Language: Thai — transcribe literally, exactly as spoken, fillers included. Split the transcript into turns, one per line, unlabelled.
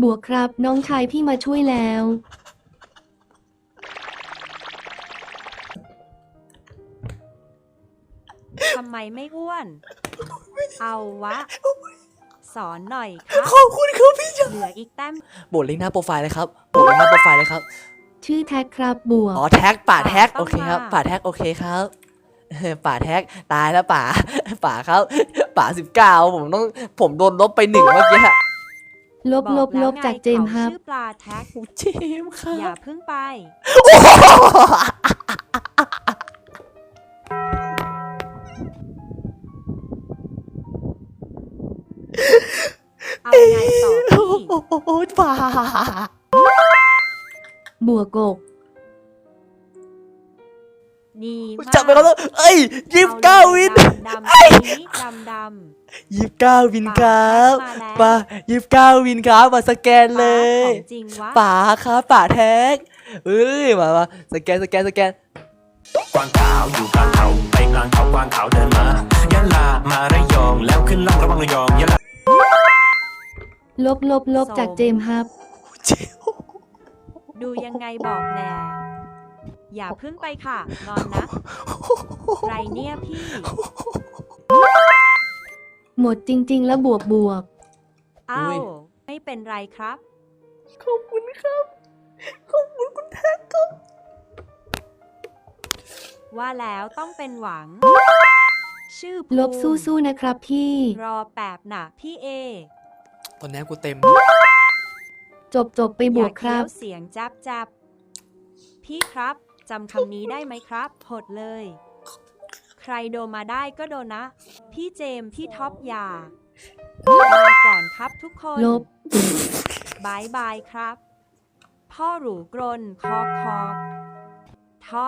บวกครับน้องชายพี่มาช่วยแล้ว
ทำไมไม่อ้วน เอาวะ สอนหน่อยครับ
ขอบคุณครับพี่ชาย
เหลืออีกแต้ม
โบดลิงก์หน้าโปรไฟล์เลยครับโบดลิงก์หน้าโปรไฟล์เลยครับ
ชื่อแท็กครับบวก
อ๋อแท็กป่าแท็ก
ป่าต้อง
โอเคครับ
มา
ป่าแท็กโอเคครับเออป่าแท็กตายแล้วป่าป่าครับป่าสิบเก้าผมต้องผมโดนลบไปหนึ่งเมื่อกี้ฮะ
ลบลบลบจากเจมส์ครับ
ชื่อปลาแท็ก
เจมส์ครั
อย่า
บ
เพิ่งไป เอาไงต่อพี่
โอ้ป่า
บวกกบ
ดีมาก
จับไปเขาแล้วเอ้ยยี่สิบเก้าวิน
ดำๆนี้ดำดำ
ยี่สิบเก้าวินครับ
มาแล้ว
ป่ายี่สิบเก้าวินครับมาสแกนเลย
ของจริงวะ
ป่าครับป่าแท็กเอ้ยมามาสแกนสแกนสแกน
กวางขาวอยู่กลางเขาไปกลางเขากวางขาวเดินมายะลามาระยองแล้วขึ้นล่องระวังระยองยะลา
ลบลบลบจากเจมส์ครับ
ดูยังไงบอกแน่อย่าเพิ่งไปค่ะนอนนะ ไรเนี่ยพี่
หมดจริง ๆ แล้วบวกบวก
เอ้า
อุ้ย
ไม่เป็นไรครับ
ขอบคุณครับ ขอบคุณคุณแท็กครับ
ว่าแล้วต้องเป็นหวัง ชื่อ
ลบ
ภูมิ
สู้ๆนะครับพี่
รอแป๊บนะพี่เอ
ตอนนี้กูเต็ม
จบจบไปบวกครับ
อย่าเคี้ยวเสียงจับจับพี่ครับจำคำนี้ได้ไหมครับหดเลย ใครโดนมาได้ก็โดนนะ พี่เจมส์พี่ท็อปอย่าลาก่อนครับทุกคน
ลบ
บายบายครับ พ่อหรูกรนคอคอก